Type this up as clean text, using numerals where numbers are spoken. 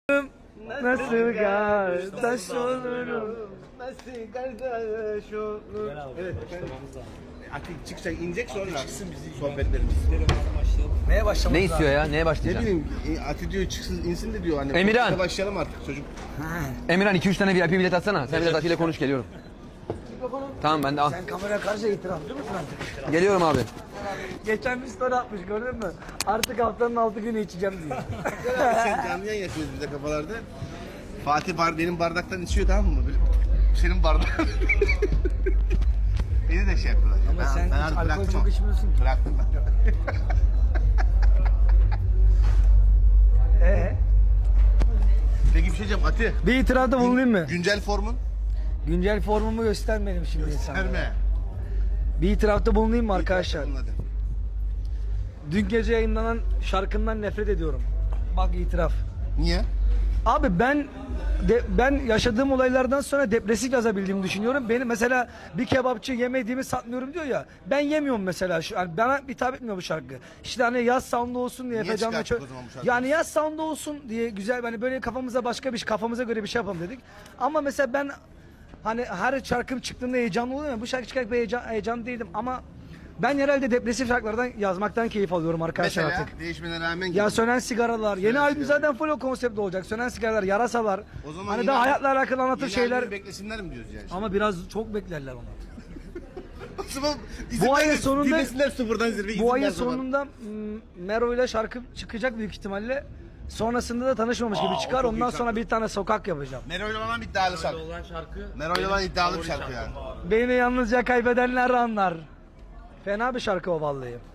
Nasıl kardeş olurum? Nasıl kardeş olur? Evet efendim. Artık çıkacak, inecek sonra çıksın bizim sohbetlerimiz. Neye başlamak Ne istiyor ya? Neye Ne başlayacaksın? bileyim, Ati diyor çıksın, insin de diyor. Hani Emirhan. konuşmaya başlayalım artık çocuk. Emirhan 2-3 tane VIP bilet atsana. Sen biraz Ati ile konuş, geliyorum. Tamam, ben de al. Sen kamera karşı itirafçı mısın artık? Geliyorum abi. Geçen bir story atmış, gördün mü? Artık haftanın 6 günü içeceğim diyor. Sen canlı yayın yapıyoruz bize kafalarda. Fatih benim bardaktan içiyor, tamam mı? Böyle, senin bardağın. Beni de şey yapıyorlar. Ama sen hiç artık alkol bıraktım çok ama. içmiyorsun ki. Bıraktım ben. Peki bir şey diyeceğim Ati. Bir itirafta bulunayım mı? Güncel formun? Güncel formumu göstermedim şimdi insanlara. Verme. Bir itirafta bulunayım mı arkadaşlar? Bunun adı. Dün gece yayınlanan şarkımdan nefret ediyorum. Bak itiraf. Niye? Abi ben yaşadığım olaylardan sonra depresif yazabildiğimi düşünüyorum. Benim mesela bir kebapçı yemediğimi satmıyorum diyor ya. Ben yemiyorum mesela şu an. Bana hitap etmiyor bu şarkı. İşte hani yaz sound'u olsun diye Niye Efecan'la çıkarttık o zaman bu şarkıyı? yani yaz sound'u olsun diye güzel, hani böyle kafamıza başka bir kafamıza göre bir şey yapalım dedik. Ama mesela ben hani her şarkım çıktığında heyecanlı oluyorum ya. Bu şarkı çıkarken heyecan değildim ama ben herhalde depresif şarkılardan yazmaktan keyif alıyorum arkadaşlar Mesela artık. değişmene rağmen Ya sönen sigaralar. Yeni albüm sigaralar. zaten full o konseptte olacak. Sönen sigaralar, yarasalar. O zaman Hani yine- daha hayatla alakalı anlatır yeni şeyler. albümü beklesinler mi diyoruz yani? Ama biraz çok beklerler onu. O zaman izin Bu ayın versin, sonunda- dinlesinler sıfırdan zirve. Bu ayın izin ver zaman. sonunda Mero ile şarkı çıkacak büyük ihtimalle. Sonrasında da tanışmamış gibi o çıkar. çok Ondan iyi sonra şarkı. bir tane sokak yapacağım. Mero'yla olan iddialı şarkı. Mero'yla olan iddialı bir şarkı yani. Beni yalnızca kaybedenler anlar. Fena bir şarkı o vallahi.